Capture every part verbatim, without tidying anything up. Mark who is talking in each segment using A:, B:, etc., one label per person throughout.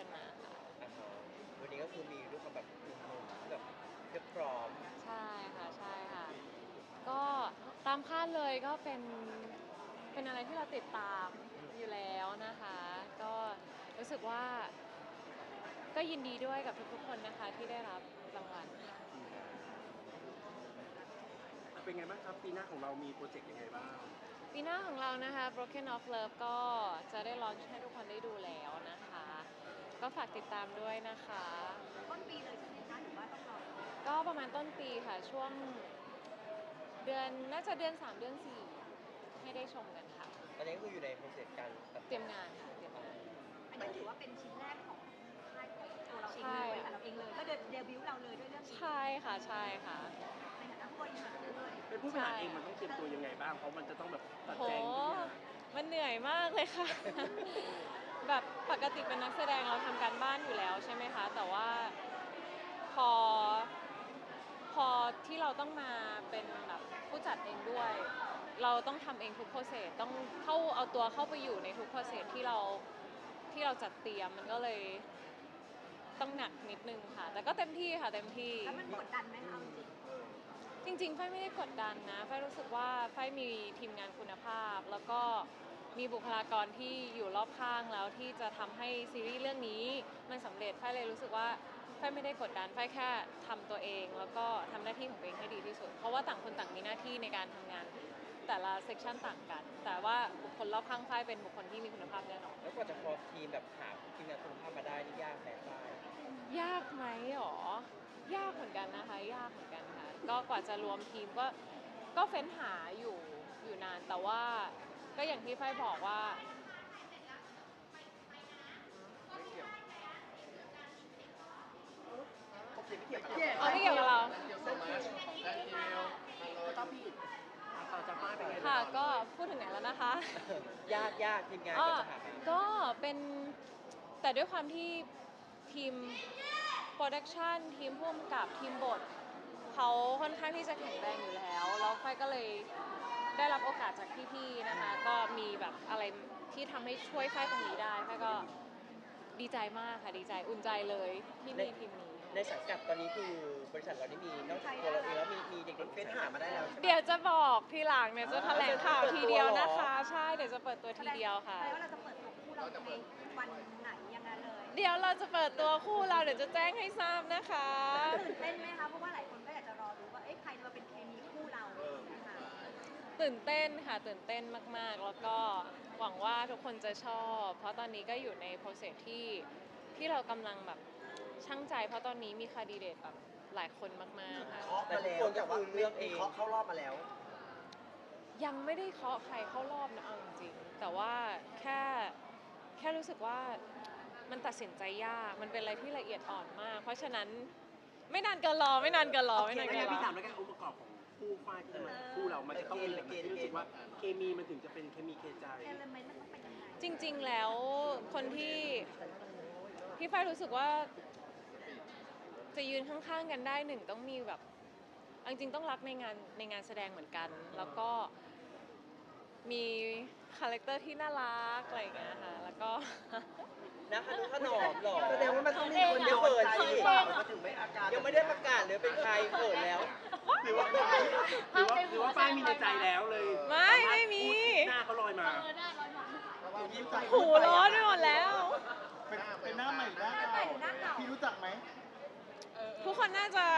A: มาค่ะ
B: วันนี้ก็คือมีด้วยความแบบหนุ่มๆแบบเรียบพร้อม
A: ใช่ค่ะใช่ค่ะก็ตามคาดเลยก็เป็นเป็นอะไรที่เราติดตามอยู่แล้วนะคะก็รู้สึกว่าก็ยินดีด้วยกับทุกๆคนนะคะที่ได้รับรางวัลค่ะ
C: เป็นไงบ้างครับปีหน้าของเรามีโปรเจกต์ยังไงบ้าง
A: ปีหน้าของเรานะคะ Broken of Love ก็จะได้ลอนช์ให้ทุกคนได้ดูแล้วนะคะก็ฝากติดตามด้วยนะคะ
D: ต้นปีเลยใช่ไหมคะหรือว่าต้องรอ
A: ก็ประมาณต้นปีค่ะช่วงเดือนน่าจะเดือนสามเดือนสี่ให้ได้ชมกันค่ะ
B: ตอนนี้ก็คืออยู่ในโปรเซสการตัด
A: เตรียมงานค่ะเตรียมงาน
D: อันนี้ถือว่าเป็นชิ้นแรกของค่ายของตัวเราเองเลยค่ะเราเองเลยก็เดบิวต์เราเลยด้วยเรื่องนี้
A: ใช่ค่ะใช่ค่ะ
D: ในฐานะผู้บริหารเลย
C: เป็นผู้บริหารเองมันต้องเตรียมตัวยังไงบ้างเพราะมันจะต้องแบบตัด
A: โห
C: แจงทุกอย่าง
A: มันเหนื่อยมากเลยค่ะ แบบปกติเป็นนักแสดงเราทำการบ้านอยู่แล้วใช่ไหมคะแต่ว่าพอพอที่เราต้องมาเป็นแบบผู้จัดเองด้วย เราต้องทำเองทุกโปรเซสต้องเข้าเอาตัวเข้าไปอยู่ในทุกโปรเซสที่เราที่เราจัดเตรียมมันก็เลยต้องหนักนิดนึงค่ะแต่ก็เต็มที่ค่ะเต็มที่
D: แล้วมันกดดันไหมคะ
A: จริงๆไฟไม่ได้กดดันนะไฟรู้สึกว่าไฟมีทีมงานคุณภาพแล้วก็มีบุคลากรที่อยู่รอบข้างแล้วที่จะทำให้ซีรีส์เรื่องนี้มันสำเร็จไฟเลยรู้สึกว่าไฟไม่ได้กดดันไฟแค่ทำตัวเองแล้วก็ทำหน้าที่ของตัวเองให้ดีที่สุดเพราะว่าต่างคนต่างมีหน้าที่ในการทำงานแต่ละเซกชันต่างกันแต่ว่าบุคคลรอบข้างไฟเป็นบุคคลที่มีคุณภาพแน่นอน
B: แล้วกว่าจะฟอร์ทีมแบบหาทีมงานคุณภาพมาได้นี่ยากแน่ป้าย
A: ยากไหมหรอยากเหมือนกันนะคะยากเหมือนกันค่ะก็กว่าจะรวมทีมก็ก็เฟ้นหาอยู่อยู่นานแต่ว่าก็อย่างที่ไฟบอกว่าเอาไม่เกี่ยวกับเราค่ะก็พูดถึงไหนแล้วนะคะ
B: ยากยากทีมงานก็จะหา
A: ก็เป็นแต่ด้วยความที่ทีมโปรดักชันทีมผู้กำกับทีมบทเขาค่อนข้างที่จะแข็งแรงอยู่แล้วแล้วไฟก็เลยได้รับโอกาสจากพี่ๆนะคะก็มีแบบอะไรที่ทำให้ช่วยไฟตรงนี้ได้ไฟก็ดีใจมากค่ะดีใจอุ่นใจเลยที่มีทีมนี้
B: ในสังกัดตอนนี้คือบริษัทเรานี่มีนอกจากตัวเราเองแล้วมีมีเด็กๆเฟ้นหามาได้แล้ว
A: เดี๋ยวจะบอกทีหลังเนี่ยจะแถลงข่าวทีเดียวนะคะใช่เดี๋ยวจะเปิดตัวทีเดียวค่ะ
D: แปลว่าเราจะเปิดตัวคู่เราในวันไหนยังไงเลย
A: เดี๋ยวเราจะเปิดตัวคู่เราเดี๋ยวจะแจ้งให้ทราบนะคะ
D: ตื่นเต้นไหมคะเพราะว่าหลายคนก็อยากจะรอรู้ว่าเอ๊ะใครมาเป็นเคมีคู่เรานะคะ
A: ตื่นเต้นค่ะตื่นเต้นมากๆแล้วก็หวังว่าทุกคนจะชอบเพราะตอนนี้ก็อยู่ในโปรเซสที่ที่เรากำลังแบบช่างใจเพราะตอนนี้มีคาดีเดตแบบหลายคนมากๆค่ะ
B: แต่ทุกคนก็คือเลือกเองเคาะเข้ารอบมาแล้ว
A: ยังไม่ได้เคาะใครเข้ารอบนะเอาจริงๆแต่ว่าแค่แค่รู้สึกว่ามันตัดสินใจยากมันเป็นอะไรที่ละเอียดอ่อนมากเพราะฉะนั้นไม่นานเกินรอไม่นานเกินรอไม่นานเกินรอ
C: พี่ถามแล้วกันองค์ประกอบของคู่ฝ้ายที่จะมาคู่เรามันจะต้องมีอะไรที่รู้สึกว่าเคมีมันถึงจะเป็นเคมีเคใจ
A: จริงๆแล้วคนที่พี่ฝ้ายรู้สึกว่าจะยืนข้างๆกันได้หนึ่งต้องมีแบบจริงๆต้องรักในงานในงานแสดงเหมือนกันแล้วก็มีคาแรคเตอร์ที่น่ารักอะไรอย่างเงี้ยค่ะแล้วก็
B: นะคะดูขนมหรอแสดงว่ามันต้องมีคนเดียวเขินสิยังไม่ได้ประกาศเลยเป็นใครเขินแล้ว
C: หรือว่าหรือว่าหรือว่าฝ้ายมีในใจแล้วเลย
A: ไม่ไม่มี
C: หน้าเขาลอยมา
A: หูร้อนไปหมดแล้ว
E: เป็นหน้าใหม่หน้าเก่าพี่รู้จักไหม
A: ทุกคนน่าจะ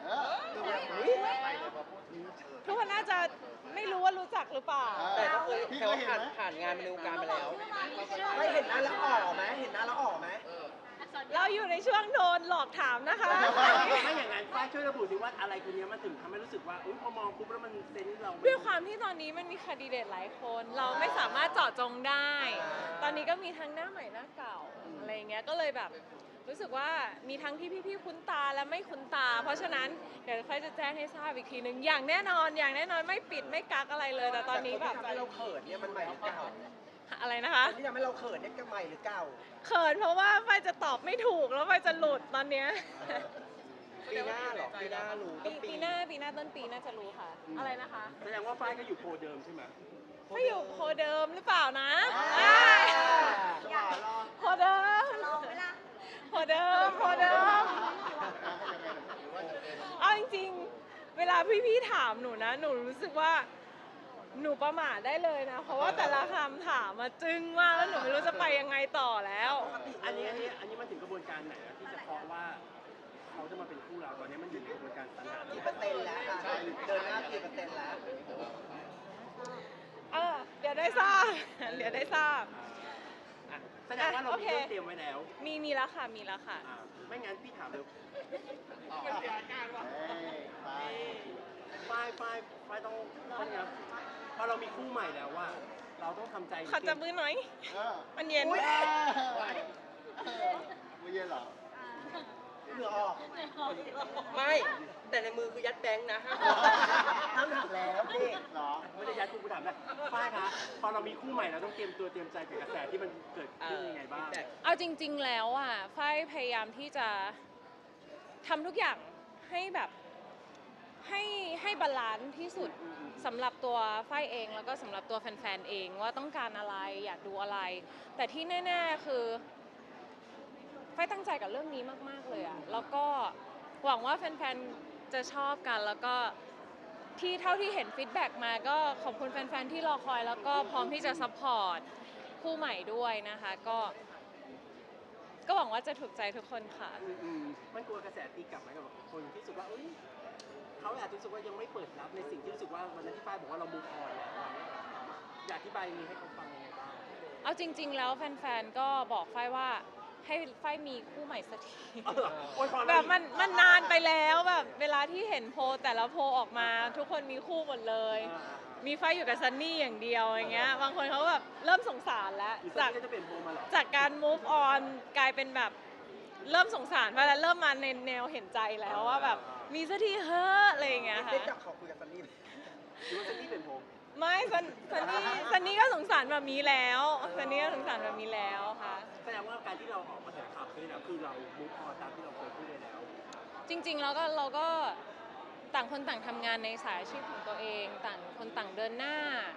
A: ทุกคนน่าจะไม่รู้ว่ารู้จักหรือเปล่า
B: แต่ก็เคยแถวผ่านผ่านงานในวงการมาแล้วไม่เห็นหน้าแล้วออกไหมเห็นหน้าแล้วออกไหม
A: เราอยู่ในช่วงโดนหลอกถามนะคะ
C: ไม่อย่างนั้นฝ้ายช่วยระบุสิว่าอะไรคนนี้มันถึงทำให้รู้สึกว่าอุ้ยพอมองปุ๊บแล้วมันเซนส์เรา
A: ด้วยความที่ตอนนี้มันมีคาดีเดตหลายคนเราไม่สามารถเจาะจงได้ตอนนี้ก็มีทั้งหน้าใหม่หน้าเก่าอะไรเงี้ยก็เลยแบบรู้สึกว่ามีทั้งที่พี่ๆคุ้นตาและไม่คุ้นตาเพราะฉะนั้นเดี๋ยวค่อยจะแจ้งให้ทราบอีกทีนึงอย่างแน่นอนอย่างแน่นอนไม่ปิดไม่กักอะไรเลยแต่ตอนนี้แบบ
B: ที่ทำให้เราเขินเนี่ยมันใหม่หรือเก่า
A: อะไรนะคะ
B: ที่ทำให้เราเขินเนี่ยก็ใหม่หรือเก่า
A: เขินเพราะว่าไฟจะตอบไม่ถูกแล้วไฟจะหลุดตอนเนี้ย
B: ปีหน้าหรอปีหน้ารู้ต้นปี
A: ปีหน้าปีหน้าต้นปีน่าจะรู้ค่ะอะไรนะคะ
C: แสดงว่าฝ้ายก็อยู่โพเดิมใช่ไหม
A: ไม่อยู่โพเดิมหรือเปล่านะโพเดิม
D: ลองไหมล่ะ
A: เวลาพี่ๆถามหนูนะ หนูรู้สึกว่าหนูประมาทได้เลยนะ เพราะว่าแต่ละคำถามมาจึ้งมากแล้วหนูไม่รู้จะไปยังไงต่อแล้ว
C: อันนี้อันนี้อันนี้มันถึงกระบวนการไหนแล้วที่จะเคาะว่าเขาจะมาเป็นคู่เราตอนนี้มันอยู่ในกระบวนการสรรหา
B: กี่เปอร์เซ็นต์แล้วคะเดินหน้ากี่เปอร์เซ็นต์แล้ว
A: เออเดี๋ยวได้ทราบ เดี๋ยวได้ทราบ
C: อ่ะแสดงว่าเรามีเรื่องเตรียมไว้แล้ว
A: มีมีแล้วค่ะ มีแล้วค่ะ
C: อ่าไม่งั้นพี่ถามเลยฝ้ายฝ้ายฝ้ายต้องต้องนะพอเรามีคู่ใหม่แล้วว่า เราต้องทำใจ
A: ขอจับมือหน่อย
E: เออ
A: มันเย็น
E: ไม่เย็นเหรอ
B: เหงื่อออก ไม่ แต่ในมือคือยัดแบงค์นะห้ามหักแล้วพี่
E: เหรอ
C: ไม่ได้ย้ายคู่กูถามนะฝ้ายคะพอเรามีคู่ใหม่เราต้องเตรียมตัวเตรียมใจกับกระแสที่มันเกิดขึ้นยังไงบ้าง
A: เอาจริง ๆ แล้วอ่ะฝ้ายพยายามที่จะทำทุกอย่างให้แบบให้ให้บาลานซ์ที่สุดสำหรับตัวฝ้ายเองแล้วก็สำหรับตัวแฟนๆเองว่าต้องการอะไรอยากดูอะไร แต่ที่แน่ๆคือฝ้ายตั้งใจกับเรื่องนี้มากๆเลยอ่ะแล้วก็หวังว่าแฟนๆจะชอบกันแล้วก็ที่เท่าที่เห็นฟีดแบ็กมาก็ขอบคุณแฟนๆที่รอคอยแล้วก็พร้อมที่จะซัพพอร์ตคู่ใหม่ด้วยนะคะก็ก็หวังว่าจะถูกใจทุกคนค่ะ
C: อืมอืมมันกลัวกระแสตีกลับไหมกับคนที่รู้สึกว่าเอ้ยเขาอาจจะรู้สึกว่ายังไม่เปิดรับในสิ่งที่รู้สึกว่าวันนั้นที่ฝ้ายบอกว่าเรามูฟออนแล้วอะอยากอธิบายนี้ให้เขาฟังยังไงบ้าง
A: เอาจริง ๆ แล้วแฟนๆ ก็บอกฝ้ายว่าให้ฝ้ายมีคู่ใหม่สักที
C: เอาเหรอโอ้ยพอ
A: แบ
C: แล้ว
A: บมันมันนานไปแล้วแบบเวลาที่เห็นโพลแต่ละโพลออกมาทุกคนมีคู่หมดเลย
C: อ่าอ่า
A: มีฝ้ายอยู่กับซันนี่อย่างเดียวอย่างเงี้ย บางคนเขาแบบเริ่มสงสารแล้ว
C: หรือ
A: จา
C: จาก กจะเปลี่ยนโพลมาเหรอ
A: จากการ move on กลายเป็นแบบเริ่มสงสารไปแล้วเริ่มมาในแนวเห็นใจแล้วว่าแบบมีสักทีเฮ้อะอะไรอย่างเงี้ยค่ะ
B: ได้จับขอคุยกับซันนี่
C: หรือว่าจะนี่เป็นโพล
A: ไม่ซันซันนี่ซันนี่ก็สงสารแบบนี้แล้วซันนี่ก็สงสารแบบนี้แล้วค่ะ
C: แสดงว่าการที่เราออกมาแถลงข่าวคือแล้วคือเรามูฟออนตามที่เราเคยพูดไปแล้ว
A: จริงๆแล้วก็เราก็ต่างคนต่างทำงานในสายอาชีพของตัวเอง ต่างคนต่างเดินหน้า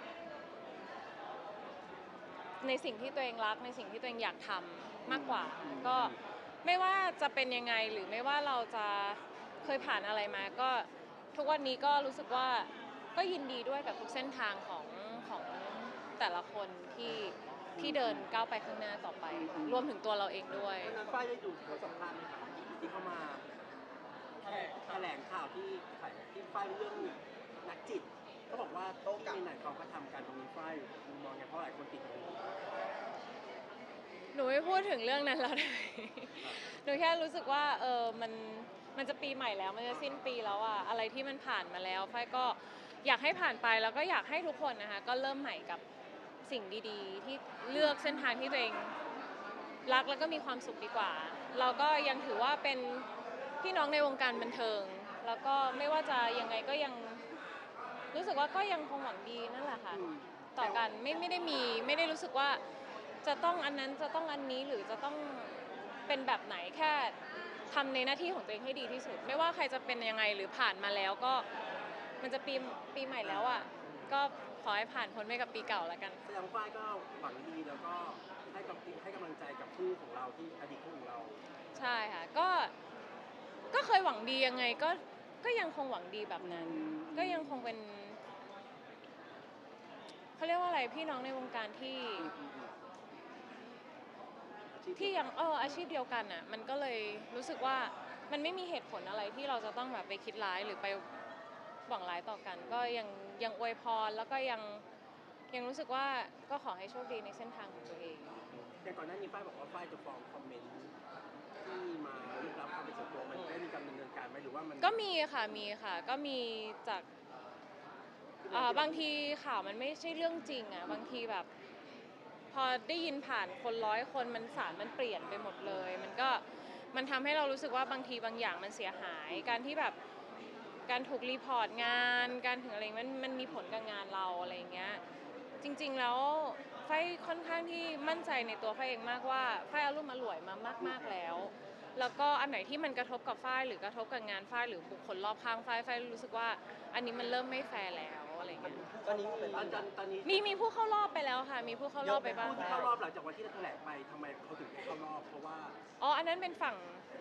A: ในสิ่งที่ตัวเองรักในสิ่งที่ตัวเองอยากทำมากกว่า ก็ไม่ว่าจะเป็นยังไงหรือไม่ว่าเราจะเคยผ่านอะไรมา ก็ทุกวันนี้ก็รู้สึกว่าก็ยินดีด้วยกับทุกเส้นทางของของแต่ละคนที่ที่เดินก้าวไปข้างหน้าต่อไปค่ะรวมถึงตัวเราเองด้วย
C: วันนั้นฝ้ายได้ดูบทสัมภาษณ์ไหมครับที่เขามาแถลงข่าวที่ถ่ายที่ฝ้ายเรื่องนักจิตเขาบอกว่าที่ในไหนเขาก็ทำการตรงนี้ฝ้ายมุมมองไงเพราะหลายคนติดตรงนี้
A: หนูไม่พูดถึงเรื่องนั้นแล้วได้ไหม หนูแค่รู้สึกว่าเออมันมันจะปีใหม่แล้วมันจะสิ้นปีแล้วอะอะไรที่มันผ่านมาแล้วฝ้ายก็อยากให้ผ่านไปแล้วก็อยากให้ทุกคนนะคะก็เริ่มใหม่กับสิ่งดีๆ ที่เลือกเส้นทางที่ตัวเองรักแล้วก็มีความสุขดีกว่า เราก็ยังถือว่าเป็นพี่น้องในวงการบันเทิง แล้วก็ไม่ว่าจะยังไงก็ยังรู้สึกว่าก็ยังคงหวังดีนั่นแหละค่ะต่อกันไม่ไม่ได้มีไม่ได้รู้สึกว่าจะต้องอันนั้นจะต้องอันนี้หรือจะต้องเป็นแบบไหนแค่ทำในหน้าที่ของตัวเองให้ดีที่สุด ไม่ว่าใครจะเป็นยังไงหรือผ่านมาแล้วก็มันจะปีปีใหม่แล้วอ่ะก็ขอให้ผ่านพ้นไปกับปีเก่าแล้วกัน
C: แสดงว่าฝ้ายก็หวังดีแล้วก็ให้กับให้กำลังใจกับคู่ของเราที่อดีตคู่ของเรา
A: ใช่ค่ะก็ก็เคยหวังดียังไงก็ก็ยังคงหวังดีแบบนั้น ก็ยังคงเป็นเขาเรียกว่าอะไรพี่น้องในวงการที่ที่ยังเอออาชีพเดียวกันอ่ะมันก็เลยรู้สึกว่ามันไม่มีเหตุผลอะไรที่เราจะต้องแบบไปคิดร้ายหรือไปหวังร้ายต่อกัน ก็ยังยังอวยพรแล้วก็ยังยังรู้สึกว่าก็ขอให้โชคดีในเส้นทางของตัวเอง
C: แต่ก่อนหน้านี้ฝ้ายบอกว่าฝ้ายจะฟ้องคอมเมนต์ที่มาลุกล้ำความเป็นส่วนตัวมันได้มีการดำเนินการไหมหรือว่ามัน
A: ก็มีค่ะมีค่ะก็มีจากอ่าบางทีข่าวมันไม่ใช่เรื่องจริงอ่ะบางทีแบบพอได้ยินผ่านคนร้อยคนมันสารมันเปลี่ยนไปหมดเลย มันก็มันทำให้เรารู้สึกว่าบางทีบางอย่างมันเสียหาย การที่แบบการถูกรีพอร์ตงานการถึงอะไรมันมันมีผลกับงานเราอะไรอย่างเงี้ยจริงๆแล้วไฟค่อนข้างที่มั่นใจในตัวไฟเองมากว่าไฟอารมณ์อร่วยมามากๆแล้ว แล้วก็อันไหนที่มันกระทบกับฝ้ายหรือกระทบกับงานฝ้ายหรือบุคคลรอบข้างฝ้ายฝ้ายรู้สึกว่าอันนี้มันเริ่มไม่แฟร์แล้วอะไรเงี้ย
B: ตอนนี้มี
C: ตอนตอนตอนนี้
A: มีมีผู้เข้ารอบไปแล้วค่ะ มีผู้เข้ารอบไปบ้าง
C: ผู้ที่เข้ารอบหลังจากวันที่เราแถลงไปทำไมเขาถึงไม่เข้ารอบเพราะว่า
A: อ๋ออันนั้นเป็นฝั่งแ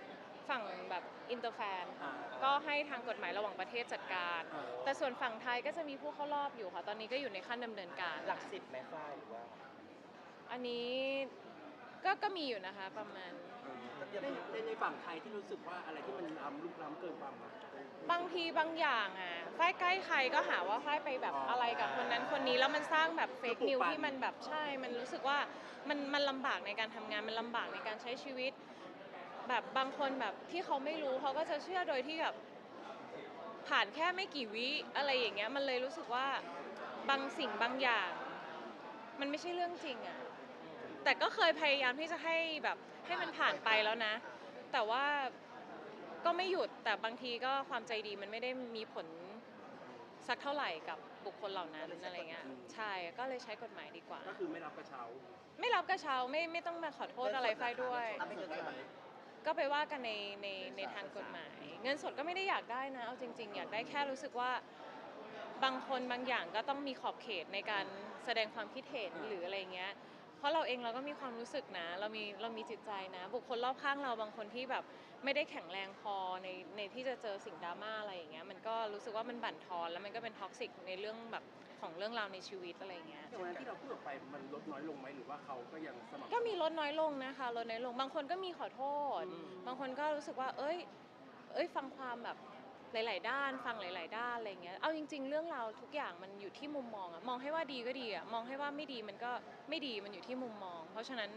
A: ฝั่งแบบอินเตอร์แฟน
C: อ่า
A: ก็ให้ทางกฎหมายระหว่างประเทศจัดการ
C: อ่า
A: แต่ส่วนฝั่งไทยก็จะมีผู้เข้ารอบอยู่ค่ะ ตอนนี้ก็อยู่ในขั้นดำเนินการ
B: หลักสิบไหมฝ้ายหรือว่า
A: อันนี้ก็ก็มีอยู่นะคะประมาณ
C: ในในในฝั่งไทยที่รู้สึกว่าอะไรที่มันล้ำลุกล้ำเกินความหมาย
A: บางทีบางอย่างอ่ะฝ้ายใกล้ใครก็หาว่าฝ้ายไปแบบ
C: อ๋ออ
A: อะไรกับคนนั้นคนนี้แล้วมันสร้างแบบเฟก
C: ก็ปลุก
A: นิว
C: ปั่น
A: ที่มันแบบใช่ มันรู้สึกว่ามันมันลำบากในการทำงานมันลำบากในการใช้ชีวิต แบบบางคนแบบที่เขาไม่รู้เขาก็จะเชื่อโดยที่แบบผ่านแค่ไม่กี่วิอะไรอย่างเงี้ยมันเลยรู้สึกว่าบางสิ่งบางอย่าง มันไม่ใช่เรื่องจริงอ่ะแต่ก็เคยพยายามที่จะให้แบบให้มันผ่านไปแล้วนะ แต่ว่าก็ไม่หยุดแต่บางทีก็ความใจดีมันไม่ได้มีผลสักเท่าไหร่กับบุคคลเหล่านั้นอะไรเงี้ยใช่ก็เลยใช้กฎหมายดีกว่า
C: ก็คือไม่รับกระเช้า
A: ไม่รับกระเช้าไม่ไม่ต้องมาขอโทษอะไรไฟด้วย
B: รับไม่เกินเท่าไหร่
A: ก็ไปว่ากันในในในทางกฎหมาย เงินสดก็ไม่ได้อยากได้นะเอาจริง ๆ อยากได้แค่รู้สึกว่าบางคนบางอย่างก็ต้องมีขอบเขตในการแสดงความคิดเห็นหรืออะไรเงี้ยเพราะเราเองเราก็มีความรู้สึกนะเรามีเรามีจิตใจนะ บุคคลรอบข้างเราบางคนที่แบบไม่ได้แข็งแรงพอในในที่จะเจอสิ่งดราม่าอะไรอย่างเงี้ยมันก็รู้สึกว่ามันบั่นทอนแล้วมันก็เป็นท็อกซิกในเรื่องแบบของเรื่องราวในชีวิตอะไรเงี้ย
C: อย่างวันนั้นที่เราพูดออกไปมันลดน้อยลงไหมหรือว่าเขาก็ยังสม่ำเสมอ
A: ก็มีลดน้อยลงนะคะลดน้อยลงบางคนก็มีขอโทษ
C: อืม
A: บางคนก็รู้สึกว่า เอ้ย เอ้ยฟังความแบบหลาย ๆ ด้าน ฟังหลาย ๆ ด้านอะไรเงี้ยเอาจริง ๆ เรื่องราวทุกอย่างมันอยู่ที่มุมมองอะมองให้ว่าดีก็ดีอะมองให้ว่าไม่ดีมันก็ไม่ดีมันอยู่ที่มุมมอง เพราะฉะนั้น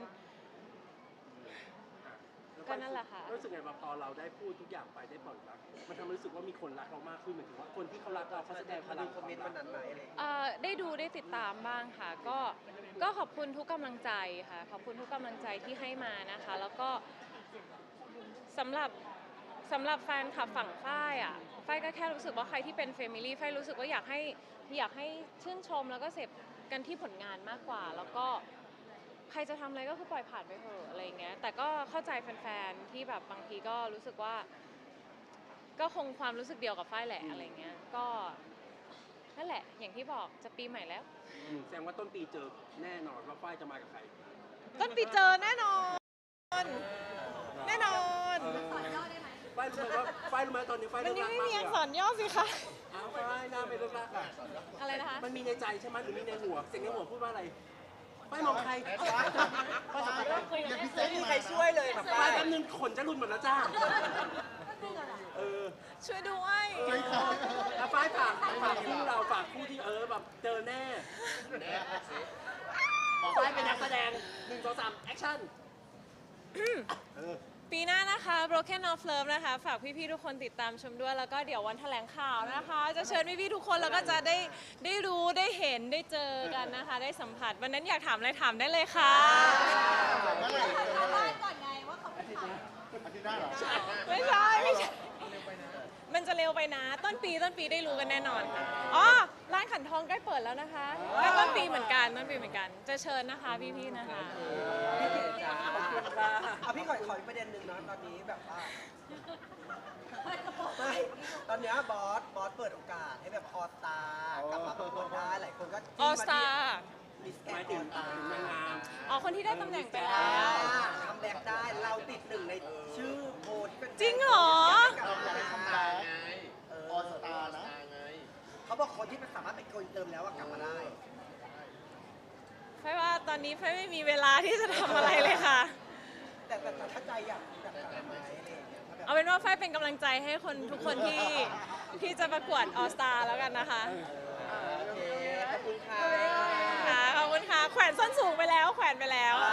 A: ก็นั่นแหละค่ะ
C: รู้สึกไงว่าพอเราได้พูดทุกอย่างไปได้ปล่อยรักมันทำให้รู้สึกว่ามีคนรักเรามากขึ้นเหมือนถึงว่าคนที่เขารักเราเขาแสดงพ
B: มา
C: ลั
B: ดู
C: ง
B: คอมเมนต์วันนั้นไหมอะไรอย่างเงี้ย
A: เอ่อได้ดูได้ติดตามบ้างค่ะ ก็ก็ขอบคุณทุกกำลังใจค่ะ ขอบคุณทุกกำลังใจที่ให้มานะคะ แล้วก็สำหรับสำหรับแฟนคลับฝั่งฝ้ายอ่ะฝ้ายก็แค่รู้สึกว่าใครที่เป็นเฟมิลี่ฝ้ายรู้สึกว่าอยากให้อยากให้ชื่นชมแล้วก็เสพกันที่ผลงานมากกว่า แล้วก็ใครจะทำอะไรก็คือปล่อยผ่านไปเถอะอะไรอย่างเงี้ยแต่ก็เข้าใจแฟนๆที่แบบบางทีก็รู้สึกว่า ก็คงความรู้สึกเดียวกับฝ้ายแหละอะไรเงี้ยก็นั่นแหละอย่างที่บอกจะปีใหม่แล้ว
C: อืมแสดงว่าต้นปีเจอแน่นอนว่าฝ้ายจะมากับใคร
A: ต้นปีเจอแน่นอน แน่นอน
C: เออฝ้ายรู้ไหมว่าฝ้ายรู้ไหมตอนนี้ฝ้าย
A: มัน
C: เลิก
A: ยัง
C: รัก
A: ไม่
C: มาก
A: มี
C: เลย
A: อัก
C: อะ
A: ษรย่อสิคะ
C: อ้าวฝ้ายหน้าไม่เลิกรักอะ
A: อะไรนะคะ
C: มันมีในใจใช่ไหมหรือมีในหัวเสียงในหัวพูดว่าอะไรฝ้ายมองใคร
E: ป้าเดี๋ยวพี่เซ็
B: ไม่
E: ก
B: มีใครช่วยเลยค่ะ
C: ฝ้า
B: ฝ้าย ย
C: แป๊บนึงขนจะหลุดหมดแล้วจ้าเออ
A: ช่วยด้วย
E: ช่วยเขา
C: แล้วฝ้ายฝากฝากคู่เราฝากคู่ที่เออแบบเจอแน่ฝ้ายเป็นนักแสดงหนึ่งสองสามแอคชั่นเออ
A: ปีหน้านะคะ Broken of Love นะคะ ฝากพี่ๆทุกคนติดตามชมด้วย แล้วก็เดี๋ยววันแถลงข่าวนะคะ จะเชิญพี่ๆทุกคนแล้วก็จะได้ได้รู้ได้เห็นได้เจอกันนะคะ ได้สัมผัสวันนั้นอยากถามอะไรถามได้เลยค่ะ
E: เมื่อไหร่
D: ถามบ้านก่อนไงว่าเขาเป็นใคร
E: อาทิตย์หน้าเหรอ
A: ไม่ใช่ไม่ใช่มันจะเร็วไปนะ ต้นปีต้นปีได้รู้กันแน่นอนค่ะอ๋อร้านขันทองใกล้เปิดแล้วนะคะก็ต้นปีเหมือนกันต้นปีเหมือนกัน จะเชิญนะคะพี่ๆนะคะ
B: พี่เก๋จ้าขอบคุณค่ะเอาพี่ขอขออีกประเด็นหนึ่งนะตอนนี้แบบว่าไม่ตอนเนี้ยบอสบอสเปิดโอกาสให้แบบออสตากลับมาประกวดได้หลายคนก็
A: ออสตา
B: มิสแก
C: ห
B: น
C: มาย
B: อ
C: ถึ
B: อง สตา
C: นางงาม
A: อ๋อคนที่ได้ตำแหน่งไป
B: อ่า
A: แล้ว
B: ทำแบ็กได้เราติดหนึ่งในชื่อโพลที่เป็น
A: จริงเหรอ
E: เราอยากให้ทำแบ็คออสตาร์นะ
B: เขาบอกคนที่มันสามารถเป็นคนเติมแล้วอะกลับมาได้
A: ไฟว่าตอนนี้ไฟไม่มีเวลาที่จะทำอะไรเลยค่ะ
B: แต่แต่แต่ถ้าใจอยากอยากกลับมาอะไรอย่างเงี้ยถ้าแบบ
A: เอาเป็นว่าไฟเป็นกำลังใจให้คนทุกคนที่ที่จะประกวดออสตาแล้วกันนะคะ
B: โอเคขอบคุณค่ะ
A: ค่ะขอบคุณค่ะ แขวนส้นสูงไปแล้ว แขวนไปแล้ว